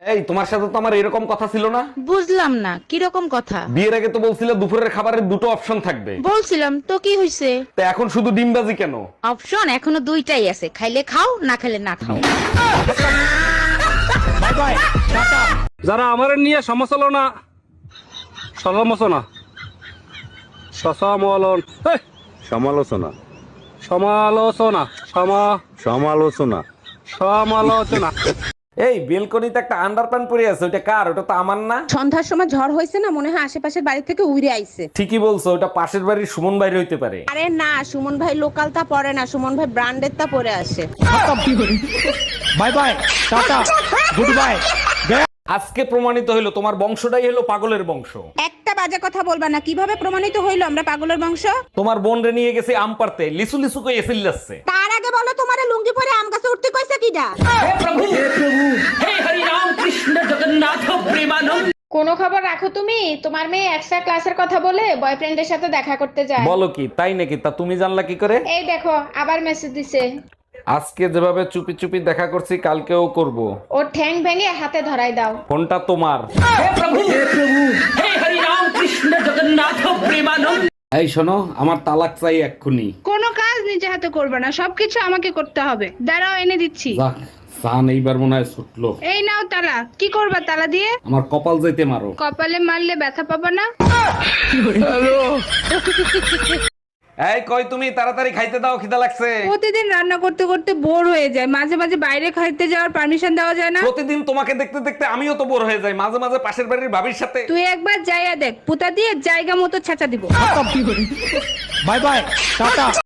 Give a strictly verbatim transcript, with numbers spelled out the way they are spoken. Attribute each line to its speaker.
Speaker 1: এই তোমার সাথে তো আমার এরকম কথা ছিল না।
Speaker 2: বুঝলাম না কিরকম কথা।
Speaker 1: বিয়ের আগে তো বলছিলে দুপুরের খাবারের দুটো অপশন থাকবে।
Speaker 2: বলছিলাম তো, কি হইছে?
Speaker 1: তো এখন শুধু ডিমবাজি কেন?
Speaker 2: অপশন এখনো দুইটাই আছে, খাইলে খাও, না খাইলে না খাও।
Speaker 3: Bye bye tata. যারা আমার নিয়ে সমালোচনা সমালোচনা সমালোচন এই,
Speaker 4: সমালোচনা
Speaker 3: সমালোচনা সমা
Speaker 4: সমালোচনা
Speaker 3: সমালোচনা
Speaker 1: এই বেলকনিতে একটা আন্ডারপ্যান্ট পরে আছে, ওটা কার? ওটা তো আমার না।
Speaker 5: সন্ধ্যার সময় ঝড় হয়েছে না, মনে হয় আশেপাশের বাড়ি থেকে উড়ে আইছে।
Speaker 1: ঠিকই বলছো, ওটা পাশের বাড়ির সুমন বাইরে হইতে পারে।
Speaker 5: আরে না, সুমন ভাই লোকালটা পরে না, সুমন ভাই ব্র্যান্ডের তা পরে আসে।
Speaker 3: Bye bye tata goodbye.
Speaker 1: আজকে প্রমাণিত হইলো তোমার বংশটাই হলো পাগলের বংশ।
Speaker 5: একটা বাজে কথা বলবা না। কিভাবে প্রমাণিত হইলো আমরা পাগলের বংশ?
Speaker 1: তোমার বোন রে নিয়ে গেছে আম পারতে, লিসু লিসু কই এসিল যাচ্ছে।
Speaker 5: তার আগে বলো, তোমারে লুঙ্গি পরে আম গাছে উঠতে কইছে কিডা?
Speaker 6: কোনো খবর রাখো তুমি? তোমার মেয়ে এক্সট্রা ক্লাসের কথা বলে বয়ফ্রেন্ডের সাথে দেখা করতে যায়।
Speaker 1: বলো কি, তাই নাকি? তা তুমি জানলা কি করে?
Speaker 6: এই দেখো আবার মেসেজ দিছে।
Speaker 1: আজকে যেভাবে চুপি চুপি দেখা করছি কালকেও করব।
Speaker 6: ওর ঠ্যাং ভেঙে হাতে ধরাই দাও।
Speaker 1: ফোনটা তোমার। এই শোনো, আমার তালাক চাই এক্ষুনি।
Speaker 7: কোনো কাজ নিজে হাতে করবে না, সবকিছু আমাকে করতে হবে। দাঁড়াও, এনে দিচ্ছি।
Speaker 1: যাক, সান এইবার মনে হয় ছুটলো।
Speaker 7: এই নাও তালা। কি করবা তালা দিয়ে?
Speaker 1: আমার কপাল যাইতে মারো।
Speaker 7: কপালে মারলে ব্যথা পাবা না।
Speaker 1: এই কই তুমি, তাড়াতাড়ি খাইতে দাও, খিদা লাগছে।
Speaker 7: প্রতিদিন রান্না করতে করতে বোর হয়ে যায়, মাঝে মাঝে বাইরে খাইতে যাওয়ার পারমিশন দেওয়া যায় না?
Speaker 1: প্রতিদিন তোমাকে দেখতে দেখতে আমিও তো বোর হয়ে যাই, মাঝে মাঝে পাশের বাড়ির ভাবির সাথে।
Speaker 7: তুই একবার যাইয়া দেখ, পুতা দিয়ে জায়গা মতো ছেঁচা দিব।
Speaker 3: Bye bye tata.